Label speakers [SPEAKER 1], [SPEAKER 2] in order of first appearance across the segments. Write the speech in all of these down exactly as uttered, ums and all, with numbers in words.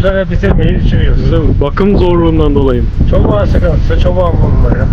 [SPEAKER 1] sene bitirmeyi düşünüyoruz.
[SPEAKER 2] Değil mi? Bakım zorluğundan dolayı.
[SPEAKER 1] Çoban sıkıntısı, çoban bulunmuyor.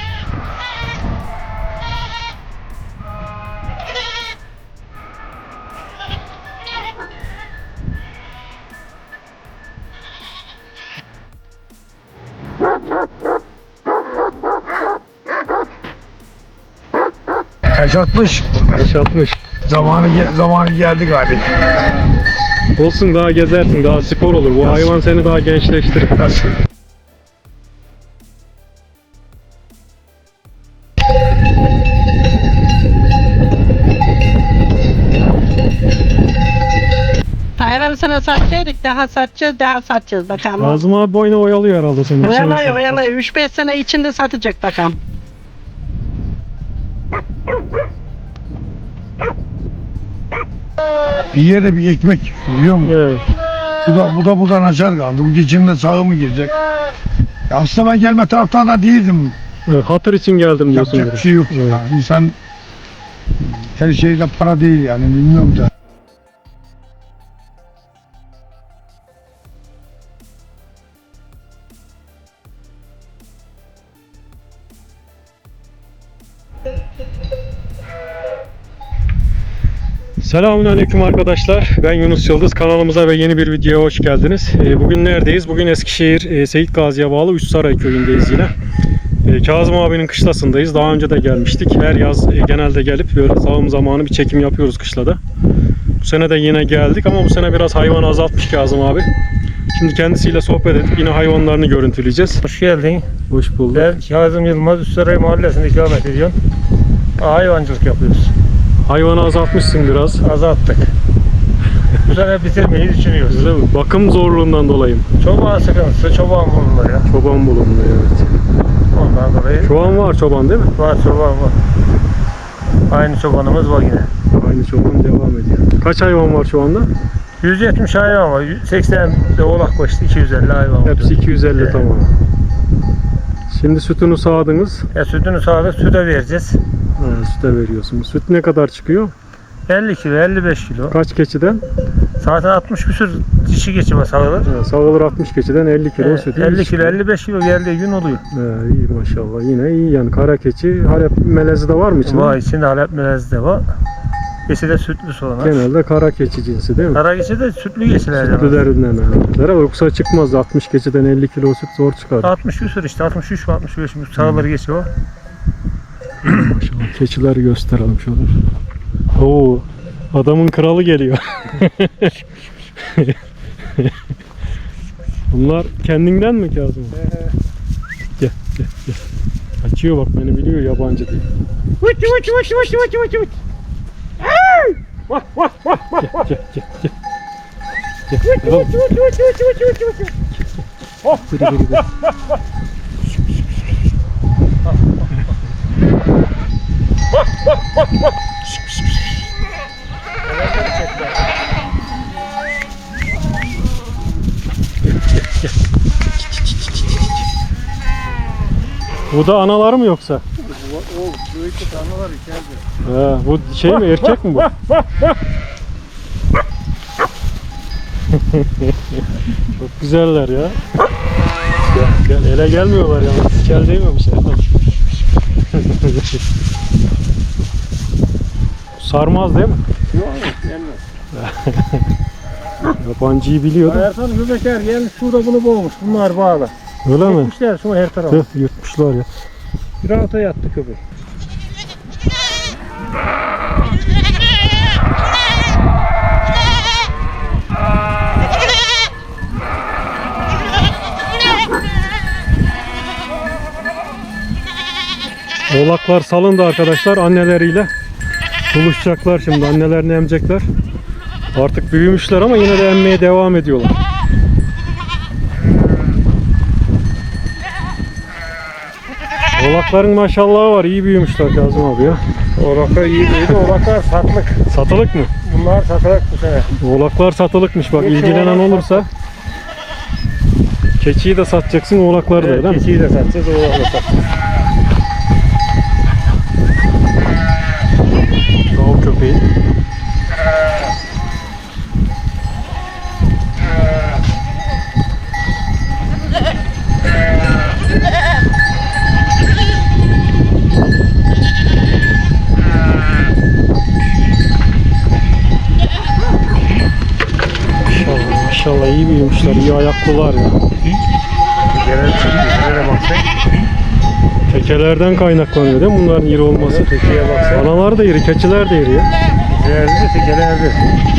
[SPEAKER 1] Yaşatmış.
[SPEAKER 2] Yaşatmış.
[SPEAKER 1] Zamanı zamanı geldi galiba.
[SPEAKER 2] Olsun, daha gezersin, daha spor olur. Bu hayvan seni daha gençleştirir.
[SPEAKER 1] Nasıl?
[SPEAKER 3] Hayvanı sana satacaktık, daha satacağız, daha satacağız bakalım.
[SPEAKER 2] Nazım abi boyuna oyalıyor herhalde seni.
[SPEAKER 3] Oyalıyor, oyalıyor. üç beş sene içinde satacak bakalım.
[SPEAKER 1] Bir yere bir ekmek biliyor musun?
[SPEAKER 2] Evet.
[SPEAKER 1] Bu da bu da buradan açar kaldı. Bu geçimde sağı mı girecek? Ya aslında ben gelme taraftan da değildim.
[SPEAKER 2] Evet, hatır için geldim diyorsun.
[SPEAKER 1] Yapacak bir şey yok.
[SPEAKER 2] Evet.
[SPEAKER 1] Ya. İnsan her şeyde para değil yani bilmiyorum da.
[SPEAKER 2] Selamünaleyküm arkadaşlar. Ben Yunus Yıldız. Kanalımıza ve yeni bir videoya hoş geldiniz. Bugün neredeyiz? Bugün Eskişehir Seyit Gazi'ye bağlı Üçsaray köyündeyiz yine. Kazım abinin kışlasındayız. Daha önce de gelmiştik. Her yaz genelde gelip böyle sağım zamanı bir çekim yapıyoruz kışlada. Bu sene de yine geldik ama bu sene biraz hayvan azaltmış Kazım abi. Şimdi kendisiyle sohbet edip yine hayvanlarını görüntüleyeceğiz.
[SPEAKER 4] Hoş geldin.
[SPEAKER 2] Hoş bulduk.
[SPEAKER 4] Ben Kazım Yılmaz, Üçsaray Mahallesi'nde ikamet ediyorum. Hayvancılık yapıyoruz.
[SPEAKER 2] Hayvanı azaltmışsın biraz.
[SPEAKER 4] Azalttık. Bu sene bitirmeyi düşünüyoruz.
[SPEAKER 2] Değil mi? Bakım zorluğundan dolayı mı?
[SPEAKER 4] Çoban sıkıntısı, çoban bulunmuyor.
[SPEAKER 2] Çoban bulunmuyor, evet.
[SPEAKER 4] Ondan dolayı
[SPEAKER 2] Şu an var çoban değil mi?
[SPEAKER 4] var çoban var. Aynı çobanımız var yine.
[SPEAKER 2] Aynı çoban devam ediyor. Kaç hayvan var şu anda?
[SPEAKER 4] yüz yetmiş hayvan var. seksen de oğlak koştu, iki yüz elli hayvan var.
[SPEAKER 2] Hepsi iki yüz elli,
[SPEAKER 4] Evet.
[SPEAKER 2] tamam. Şimdi sütünü sağdınız.
[SPEAKER 4] Ya sütünü sağdık, süte vereceğiz.
[SPEAKER 2] Ha, süte veriyorsunuz. Süt ne kadar çıkıyor?
[SPEAKER 4] elli kilo, elli beş kilo.
[SPEAKER 2] Kaç keçiden?
[SPEAKER 4] Zaten altmış küsür dişi geçime sağılır.
[SPEAKER 2] Ha, sağılır altmış keçiden elli kilo
[SPEAKER 4] Ee,
[SPEAKER 2] süt.
[SPEAKER 4] elli
[SPEAKER 2] İyi
[SPEAKER 4] kilo, elli beş kilo geldiği gün oluyor.
[SPEAKER 2] He, iyi maşallah. Yine iyi yani. Kara keçi, Halep melezi de var mı içinde?
[SPEAKER 4] Var içinde Halep melezi de var. Geçi de sütlü sonra.
[SPEAKER 2] Genelde kara keçi cinsi değil mi?
[SPEAKER 4] Kara geçi de sütlü geçiler.
[SPEAKER 2] Sütlülerinden ha. Yoksa çıkmaz. altmış keçiden elli kilo süt zor çıkar.
[SPEAKER 4] altmış küsur işte, altmış üç altmış beş sağları geçiyor.
[SPEAKER 2] Maşallah. Keçileri gösterelim şöyle. Oo, adamın kralı geliyor. Bunlar kendinden mi Kazım? Gel, gel, gel. Açıyor bak, beni biliyor yabancı değil.
[SPEAKER 4] Vıç vıç vıç vıç vıç vıç vıç.
[SPEAKER 2] Gel, gel, gel, gel. Gel.
[SPEAKER 4] Vıç vıç vıç vıç vıç vıç vıç vıç.
[SPEAKER 2] Geri, geri, geri. Bu da anaları mı yoksa?
[SPEAKER 1] O büyük tanrılar içeride.
[SPEAKER 2] Ha, bu şey mi, erkek mi bu? Çok güzeller ya. Gel, gel, ele gelmiyorlar yalnız. Kel değmemiş herhalde. Sarmaz değil mi?
[SPEAKER 1] Yok gelmez.
[SPEAKER 2] Yabancıyı biliyor da.
[SPEAKER 4] Ertan göbekler gelmiş şurada bunu boğmuş. Bunlar bağlı.
[SPEAKER 2] Öyle mi?
[SPEAKER 4] Yetmişler şunu her tarafa.
[SPEAKER 2] Tüh, yutmuşlar ya.
[SPEAKER 4] Bir alta yattı köpek.
[SPEAKER 2] Oğlaklar salındı arkadaşlar anneleriyle. Buluşacaklar şimdi, annelerini emecekler. Artık büyümüşler ama yine de emmeye devam ediyorlar. Oğlakların maşallahı var, iyi büyümüşler Kazım abi ya.
[SPEAKER 4] Oğlaklar iyi büyüdü. Oğlaklar satlık.
[SPEAKER 2] Satılık mı?
[SPEAKER 4] Bunlar satılık bu sene.
[SPEAKER 2] Oğlaklar satılıkmış bak,
[SPEAKER 4] Geçi
[SPEAKER 2] ilgilenen
[SPEAKER 4] oğlak
[SPEAKER 2] olursa. Keçiyi de satacaksın, oğlakları da,
[SPEAKER 4] Evet,
[SPEAKER 2] değil mi?
[SPEAKER 4] keçiyi de satacağız, oğlakla satacağız.
[SPEAKER 2] Av köpeği. arkadaşlar. İyi ayaklılar ya.
[SPEAKER 4] Genel bir şey değil. Nereye baksak?
[SPEAKER 2] Tekelerden kaynaklanıyor değil mi bunların iri olması?
[SPEAKER 4] Tekeye baksak.
[SPEAKER 2] Analar da iri, keçiler de iri ya.
[SPEAKER 4] Değerli de tekelerde.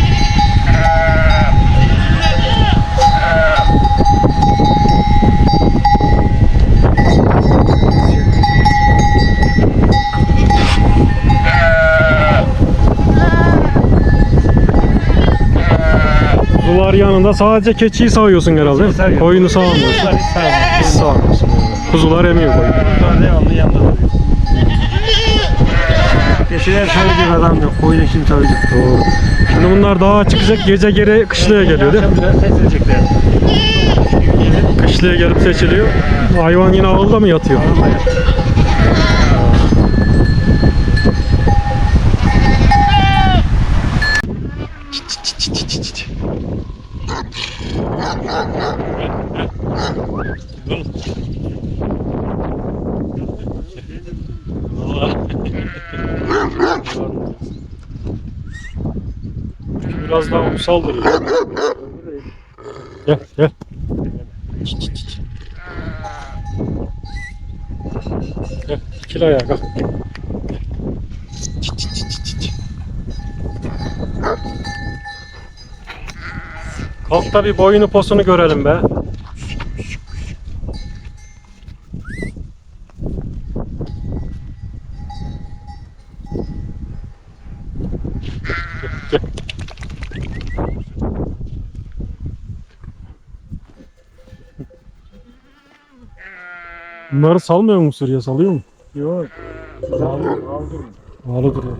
[SPEAKER 2] Kuzular yanında sadece keçiyi sağıyorsun herhalde.
[SPEAKER 4] Sağıyorum.
[SPEAKER 2] Koyunu sağmıyorsun.
[SPEAKER 4] Bunlar hiç sağlamıyor.
[SPEAKER 2] Hiç sağmıyorsun. Kuzular emiyor koyunu.
[SPEAKER 4] Bunlar devamlı yanında duruyor. Geçiler söyleyecek adam yok. Koyunu kim savacak?
[SPEAKER 2] Doğru. Şimdi bunlar dağa çıkacak, gece geri kışlaya geliyor değil mi?
[SPEAKER 4] Akşam biraz seçilecekler.
[SPEAKER 2] Kışlaya gelip seçiliyor. Hayvan yine avluda mı yatıyor? Biraz daha uysal duruyor. Gel gel. Gel ikili ayağa kalk. Kalk da bir boyunu posunu görelim be. Gel, gel. Bunları salmıyor mu sürüye, salıyor mu?
[SPEAKER 4] Yok. Aldım. Aldım.
[SPEAKER 2] Ağlı duruyor.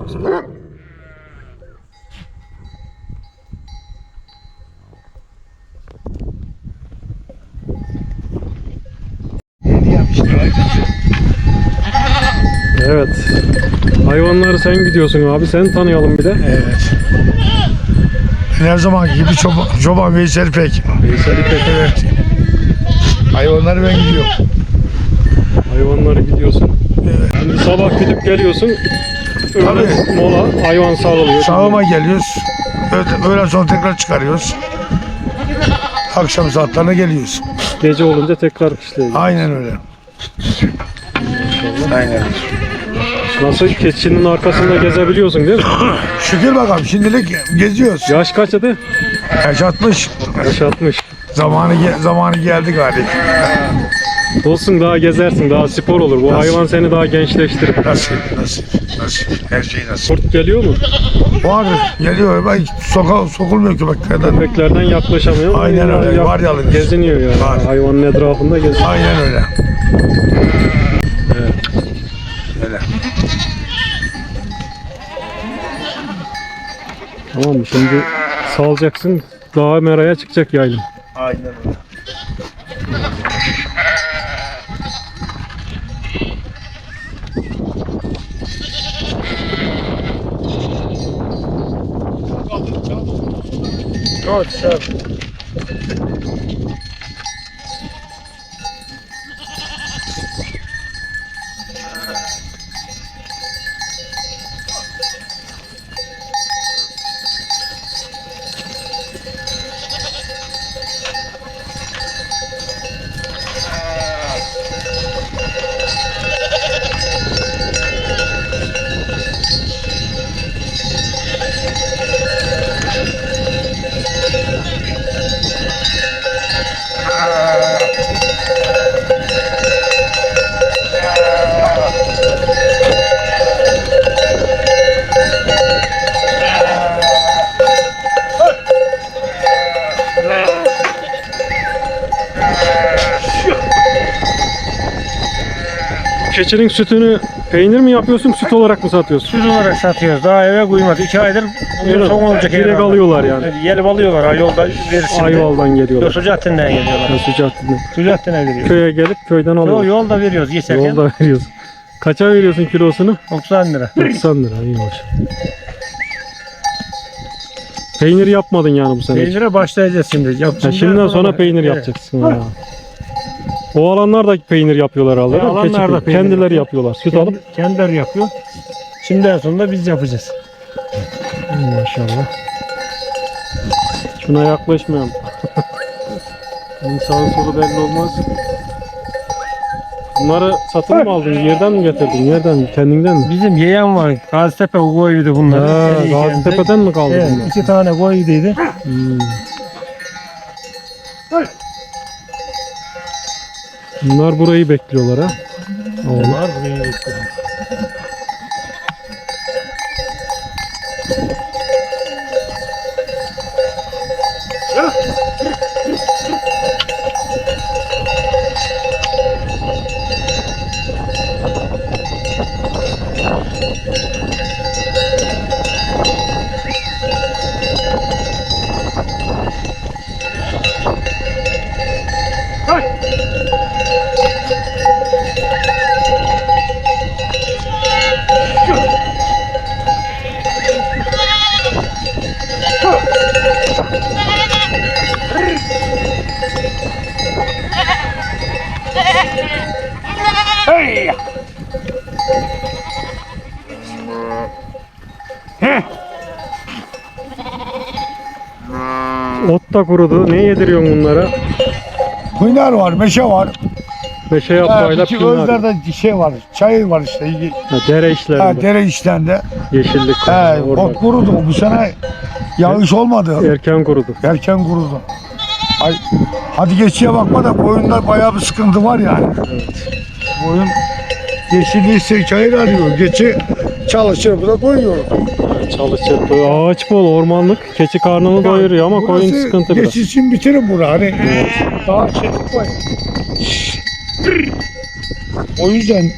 [SPEAKER 2] Evet. Hayvanları sen gidiyorsun abi. Sen tanıyalım bir de.
[SPEAKER 1] Evet. Ben her zaman gibi çoban, çoban Veysel Pek.
[SPEAKER 2] Veysel İpek.
[SPEAKER 1] Evet. Hayvanları ben gidiyorum.
[SPEAKER 2] Hayvanları gidiyorsun.
[SPEAKER 1] Evet.
[SPEAKER 2] Şimdi sabah gidip geliyorsun. Öğlen
[SPEAKER 1] Tabii.
[SPEAKER 2] mola, hayvan sağlıyor.
[SPEAKER 1] Sağıma geliyoruz. Öğle- Öğlen sonra tekrar çıkarıyoruz. Akşam saatlerine geliyoruz.
[SPEAKER 2] Gece olunca tekrar kışlaya gidiyor.
[SPEAKER 1] Aynen öyle. Aynen.
[SPEAKER 2] Nasıl keçinin arkasında gezebiliyorsun değil mi?
[SPEAKER 1] Şükür bakalım şimdilik geziyoruz.
[SPEAKER 2] Yaş kaç adı?
[SPEAKER 1] Yaş altmış.
[SPEAKER 2] Yaş altmış.
[SPEAKER 1] Zamanı ge- zamanı geldi galiba.
[SPEAKER 2] Olsun daha gezersin, daha spor olur. Bu
[SPEAKER 1] Nasıl?
[SPEAKER 2] hayvan seni daha gençleştirir.
[SPEAKER 1] Nasip, nasip, nasip. Her şey nasip.
[SPEAKER 2] Kurt geliyor mu?
[SPEAKER 1] Var, geliyor. Ben soka, sokulmuyor köpeklerden.
[SPEAKER 2] Köpeklerden yaklaşamıyor.
[SPEAKER 1] Aynen öyle,
[SPEAKER 2] Yak-
[SPEAKER 1] var yalnız.
[SPEAKER 2] Geziniyor yani.
[SPEAKER 1] Var.
[SPEAKER 2] Hayvanın etrafında geziniyor.
[SPEAKER 1] Aynen öyle.
[SPEAKER 2] Evet.
[SPEAKER 1] Öyle.
[SPEAKER 2] Tamam mı? Şimdi salacaksın. Dağa meraya çıkacak yaylım.
[SPEAKER 1] Aynen öyle.
[SPEAKER 4] Çok güzel.
[SPEAKER 2] Keçinin sütünü peynir mi yapıyorsun, süt olarak mı satıyorsun?
[SPEAKER 4] Süt olarak satıyoruz. Daha eve koymadı. İki aydır
[SPEAKER 2] Öyle mi?
[SPEAKER 4] son olacak.
[SPEAKER 2] Direkt
[SPEAKER 4] herhalde.
[SPEAKER 2] alıyorlar yani.
[SPEAKER 4] Gelip alıyorlar. Ha, yolda verirsin.
[SPEAKER 2] Ayval'dan
[SPEAKER 4] Yok,
[SPEAKER 2] geliyorlar.
[SPEAKER 4] Sucattin'den geliyorlar.
[SPEAKER 2] Yani Sucattin'den.
[SPEAKER 4] Sucattin'e veriyoruz.
[SPEAKER 2] Köye gelip köyden
[SPEAKER 4] Yo,
[SPEAKER 2] alıyorlar.
[SPEAKER 4] yolda veriyoruz geçerken.
[SPEAKER 2] Yolda veriyorsun. Kaça veriyorsun kilosunu?
[SPEAKER 4] doksan lira.
[SPEAKER 2] doksan lira. İyiymiş. Peynir yapmadın yani bu sene. hiç.
[SPEAKER 4] Peynire başlayacağız şimdi. Yap,
[SPEAKER 2] Ha, şimdiden sonra peynir
[SPEAKER 4] Evet.
[SPEAKER 2] yapacaksın. Ha. O alanlar da peynir yapıyorlar herhalde.
[SPEAKER 4] Ya,
[SPEAKER 2] değil mi? Keçi
[SPEAKER 4] alanlar da
[SPEAKER 2] peyniri.
[SPEAKER 4] peynir
[SPEAKER 2] Kendileri
[SPEAKER 4] yapıyor.
[SPEAKER 2] yapıyorlar. Süt
[SPEAKER 4] Kendi-
[SPEAKER 2] alıp.
[SPEAKER 4] Kendileri yapıyor. Şimdiden sonra biz yapacağız.
[SPEAKER 2] Maşallah. Şuna yaklaşmayalım. Bunun sağı solu belli olmaz. Bunları satın mı aldın? Yerden mi getirdin? Yerden? Kendinden mi?
[SPEAKER 4] Bizim yeğen var. Gazitepe koyuydu bunlar.
[SPEAKER 2] Ha,
[SPEAKER 4] Eriyken de-
[SPEAKER 2] Gaziantep'ten mi kaldı
[SPEAKER 4] Evet,
[SPEAKER 2] bunlar?
[SPEAKER 4] iki tane koyuyduydu.
[SPEAKER 2] Hmm. Bunlar burayı bekliyorlar ha. Oğlum.
[SPEAKER 4] Var burayı bekliyorum.
[SPEAKER 2] Ot da kurudu. Ne yediriyorsun bunlara?
[SPEAKER 1] Hıynar var, meşe var.
[SPEAKER 2] Meşe
[SPEAKER 1] Ha,
[SPEAKER 2] yaprağıyla
[SPEAKER 1] iki
[SPEAKER 2] pinar.
[SPEAKER 1] Özler'de şey var, çay var işte.
[SPEAKER 2] Ha, dere
[SPEAKER 1] Ha,
[SPEAKER 2] işlerinde.
[SPEAKER 1] dere içlerinde.
[SPEAKER 2] Yeşillik.
[SPEAKER 1] He,
[SPEAKER 2] orada.
[SPEAKER 1] ot kurudu. Bu sene yağış olmadı.
[SPEAKER 2] Erken kurudu.
[SPEAKER 1] Erken kurudu. Ay, hadi geçiye bakma da koyunda bayağı bir sıkıntı var yani. Koyun yeşilliği çayır arıyor. Geçi çalışır, bu da doyuyor.
[SPEAKER 2] Çalışır. Böyle ağaç bol, ormanlık. Keçi karnını doyuruyor ama koyun
[SPEAKER 1] Burası
[SPEAKER 2] sıkıntı biraz.
[SPEAKER 1] geçi için bitirin bunu hani. Daha çelik koy. O yüzden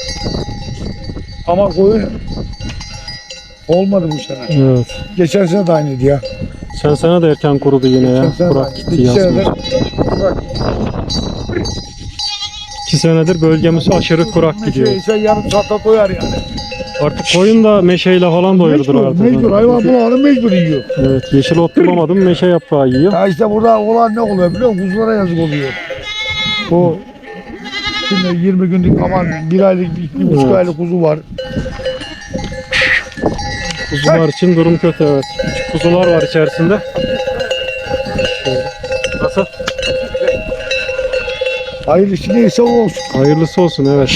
[SPEAKER 1] ama koyun olmadı bu sene.
[SPEAKER 2] Evet.
[SPEAKER 1] Geçen sene de aynıydı ya.
[SPEAKER 2] Sen sene de erken kurudu yine ya.
[SPEAKER 1] Geçen sene de
[SPEAKER 2] Kurak
[SPEAKER 1] aynıydı.
[SPEAKER 2] gitti
[SPEAKER 1] İki
[SPEAKER 2] yazmış.
[SPEAKER 1] senedir kurak.
[SPEAKER 2] İki senedir bölgemiz aşırı kurak gidiyor.
[SPEAKER 1] Şey, şey yarım saatte doyar yani.
[SPEAKER 2] Artık koyun da meşeyle falan doyurdur
[SPEAKER 1] Mecbur,
[SPEAKER 2] artık.
[SPEAKER 1] mecbur. Hayvan bulanı mecbur yiyor.
[SPEAKER 2] Evet, yeşil ot bulamadım, meşe yaprağı yiyor.
[SPEAKER 1] Ya işte burada olan ne oluyor biliyor musun? Kuzulara yazık oluyor. O şimdi yirmi günlük aman bir aylık, bir buçuk
[SPEAKER 2] Evet.
[SPEAKER 1] aylık kuzu var.
[SPEAKER 2] Kuzular için durum kötü, evet. Küçük kuzular var içerisinde. Şöyle. Nasıl?
[SPEAKER 1] Hayırlısı neyse o olsun.
[SPEAKER 2] Hayırlısı olsun, evet.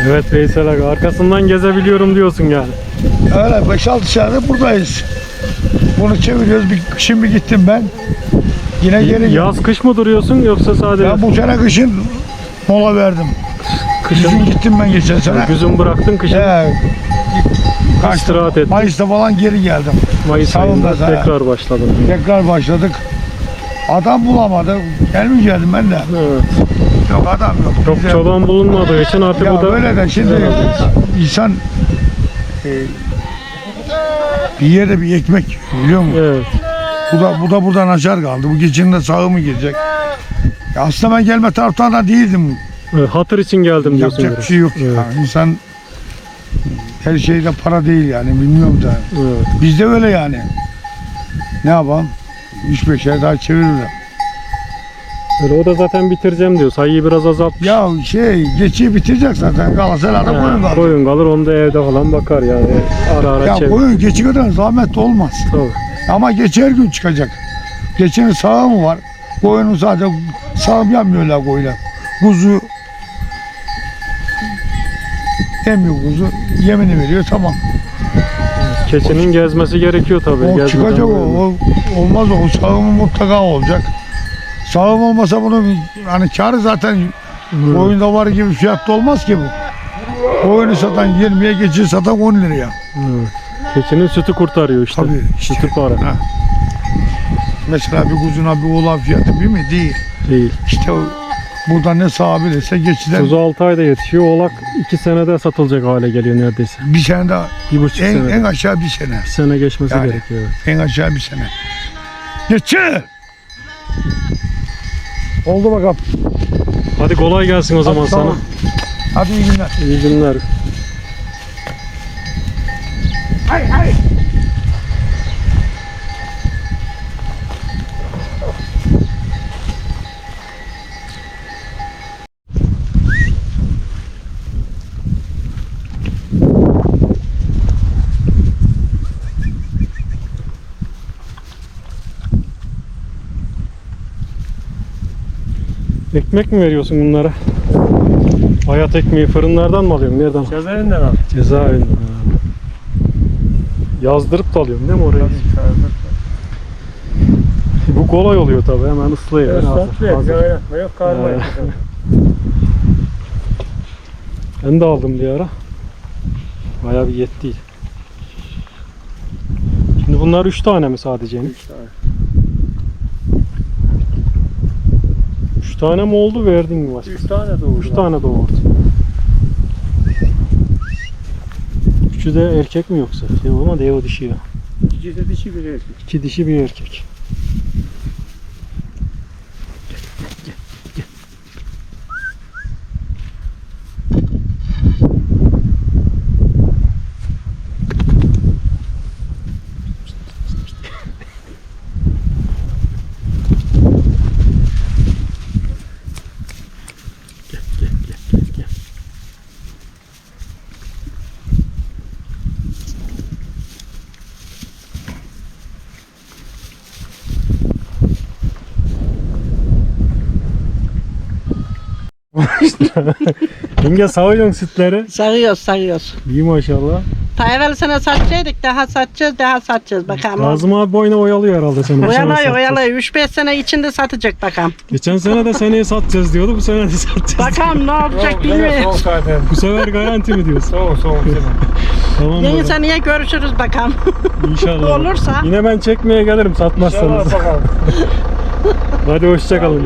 [SPEAKER 2] Evet Veysel abi, arkasından gezebiliyorum diyorsun yani.
[SPEAKER 1] Öyle beş altı senedir buradayız. Bunu çeviriyoruz. Bir, şimdi gittim ben. Yine geri geldim.
[SPEAKER 2] Yaz kış mı duruyorsun yoksa sadece
[SPEAKER 1] Ben bu sene kışın mola verdim.
[SPEAKER 2] kışın
[SPEAKER 1] Kışın gittim ben geçen sene.
[SPEAKER 2] güzün bıraktın, kışın
[SPEAKER 1] He, kaçtım.
[SPEAKER 2] istirahat ettin.
[SPEAKER 1] Mayıs'ta falan geri geldim.
[SPEAKER 2] Mayıs
[SPEAKER 1] Savunma
[SPEAKER 2] ayında
[SPEAKER 1] zaten.
[SPEAKER 2] tekrar başladın.
[SPEAKER 1] Tekrar başladık. Adam bulamadı. Gelmeyecektim ben de.
[SPEAKER 2] Evet.
[SPEAKER 1] Yok adam yok.
[SPEAKER 2] Çok
[SPEAKER 1] Bize-
[SPEAKER 2] çoban bulunmadığı için artık
[SPEAKER 1] Ya
[SPEAKER 2] bu da
[SPEAKER 1] böyle de şimdi insan e, bir yerde bir ekmek biliyor musun?
[SPEAKER 2] evet.
[SPEAKER 1] Bu da bu da buradan açar kaldı. Bu gecenin de sağı mı gelecek? Ya aslında ben gelme taraftan da değildim.
[SPEAKER 2] Evet, hatır için geldim diyorsun.
[SPEAKER 1] Yapacak bir
[SPEAKER 2] biraz.
[SPEAKER 1] şey yok.
[SPEAKER 2] Evet.
[SPEAKER 1] Yani insan her şeyde para değil yani bilmiyorum da.
[SPEAKER 2] Evet.
[SPEAKER 1] Bizde öyle yani. Ne yapalım? üç beş ay daha çeviririm.
[SPEAKER 2] Öyle, o da zaten bitireceğim diyor. Sayıyı biraz azalt.
[SPEAKER 1] Ya şey geçiyi bitirecek zaten. Galatasaray'da koyun kaldı.
[SPEAKER 2] Koyun kalır, onu da evde falan bakar yani. Ara ara
[SPEAKER 1] Ya
[SPEAKER 2] çevir.
[SPEAKER 1] koyun geçi kadar zahmet olmaz.
[SPEAKER 2] Tabii.
[SPEAKER 1] Ama geçi her gün çıkacak. Geçinin sağı mı var? Koyunun sadece sağım yapmıyorlar koyunlar. Kuzu emiyor kuzu. Yemini veriyor tamam.
[SPEAKER 2] Keçinin gezmesi gerekiyor tabii.
[SPEAKER 1] O
[SPEAKER 2] Gezmeden
[SPEAKER 1] çıkacak o,
[SPEAKER 2] böyle.
[SPEAKER 1] o. Olmaz o. O sağımı mutlaka olacak. Sağım olmasa bunun hani karı zaten
[SPEAKER 2] Hmm.
[SPEAKER 1] koyunda var gibi fiyatta olmaz ki bu. Koyunu satan yirmiye geçiyi satan on liraya.
[SPEAKER 2] Evet. Keçinin sütü kurtarıyor işte.
[SPEAKER 1] Tabii işte.
[SPEAKER 2] Sütü para.
[SPEAKER 1] Ha. Mesela bir kuzuna bir oğlan fiyatı bir mi? Değil.
[SPEAKER 2] Değil.
[SPEAKER 1] İşte o, burada ne sağabilirse geçiden
[SPEAKER 2] Kuzu altı ayda yetişiyor. Oğlak iki senede satılacak hale geliyor neredeyse.
[SPEAKER 1] bir sene daha
[SPEAKER 2] Bir buçuk
[SPEAKER 1] en,
[SPEAKER 2] senede.
[SPEAKER 1] en aşağı bir sene.
[SPEAKER 2] Bir sene geçmesi
[SPEAKER 1] Yani.
[SPEAKER 2] gerekiyor. Evet.
[SPEAKER 1] En aşağı bir sene. Geçi! Oldu bakalım.
[SPEAKER 2] Hadi kolay gelsin o zaman
[SPEAKER 1] Hadi, sağ
[SPEAKER 2] sana.
[SPEAKER 1] ol. Hadi iyi günler.
[SPEAKER 2] İyi günler.
[SPEAKER 1] Hay hay.
[SPEAKER 2] Ekmek mi veriyorsun bunlara? Hayat ekmeği fırınlardan mı alıyorsun? Nereden?
[SPEAKER 4] Cezaevinden al.
[SPEAKER 2] Cezaevinden. Ha. Yazdırıp da alıyorsun değil mi oraya? Bu kolay oluyor tabii, hemen ıslıyor.
[SPEAKER 4] Evet,
[SPEAKER 2] Hazır-
[SPEAKER 4] satlı
[SPEAKER 2] hazır.
[SPEAKER 4] et. Oynatma yok, karma
[SPEAKER 2] Ee.
[SPEAKER 4] et.
[SPEAKER 2] Ben de aldım bir ara. Bayağı bir yetti. Şimdi bunlar üç tane mi sadece?
[SPEAKER 4] Üç tane.
[SPEAKER 2] üç tane mi oldu, verdin mi başka?
[SPEAKER 4] Üç tane doğurdu.
[SPEAKER 2] üç tane doğurdu. Üçü de erkek mi yoksa? Yok ama dev dişi ya.
[SPEAKER 4] İkisi de dişi bir erkek.
[SPEAKER 2] İki dişi bir erkek. Yenge sağıyorsun sütleri.
[SPEAKER 3] Sarıyoruz sarıyoruz.
[SPEAKER 2] İyi maşallah.
[SPEAKER 3] Ta evvel sene satacaktık, daha satacağız, daha satacağız bakalım.
[SPEAKER 2] Kazım abi boyuna oyalıyor herhalde seni. Bu sene
[SPEAKER 3] Oyalıyor
[SPEAKER 2] satacağız.
[SPEAKER 3] oyalıyor. üç beş sene içinde satacak bakalım.
[SPEAKER 2] Geçen sene de seneye satacağız diyordu. Bu sene de satacağız.
[SPEAKER 3] Bakalım ne olacak bilmiyorum.
[SPEAKER 4] Soğuk zaten.
[SPEAKER 2] Bu sefer garanti mi diyorsun?
[SPEAKER 4] Soğuk soğuk.
[SPEAKER 2] Tamam
[SPEAKER 3] Yeni
[SPEAKER 2] baba.
[SPEAKER 3] seneye görüşürüz bakalım.
[SPEAKER 2] İnşallah.
[SPEAKER 3] Olursa.
[SPEAKER 2] Yine ben çekmeye gelirim satmazsanız.
[SPEAKER 4] İnşallah bakalım.
[SPEAKER 2] Hadi hoşçakalın.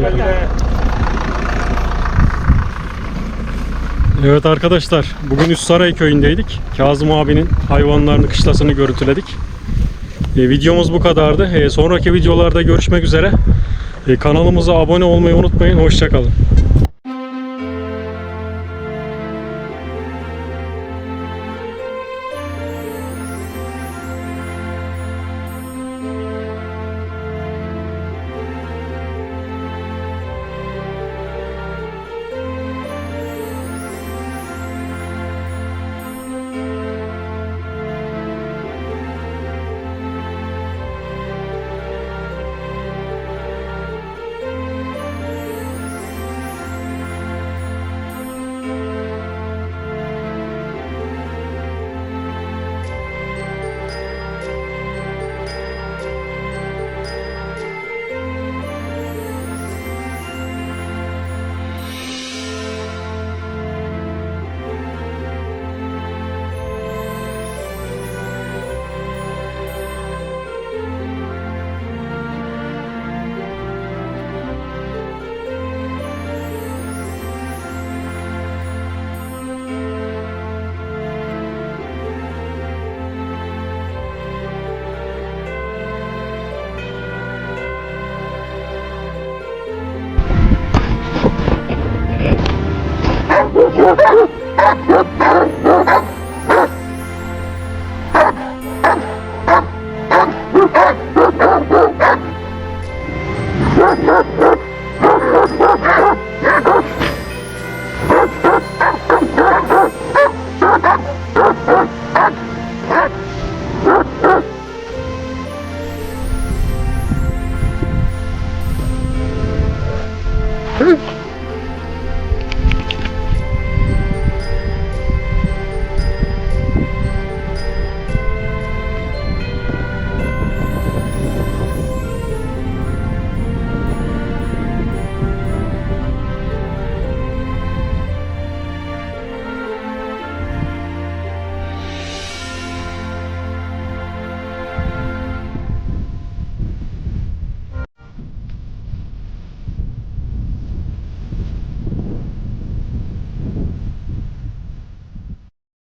[SPEAKER 2] Evet arkadaşlar, bugün Üstsaray köyündeydik. Kazım abinin hayvanlarını, kışlasını görüntüledik. E, videomuz bu kadardı. E, sonraki videolarda görüşmek üzere. E, kanalımıza abone olmayı unutmayın. Hoşçakalın.
[SPEAKER 1] Hı?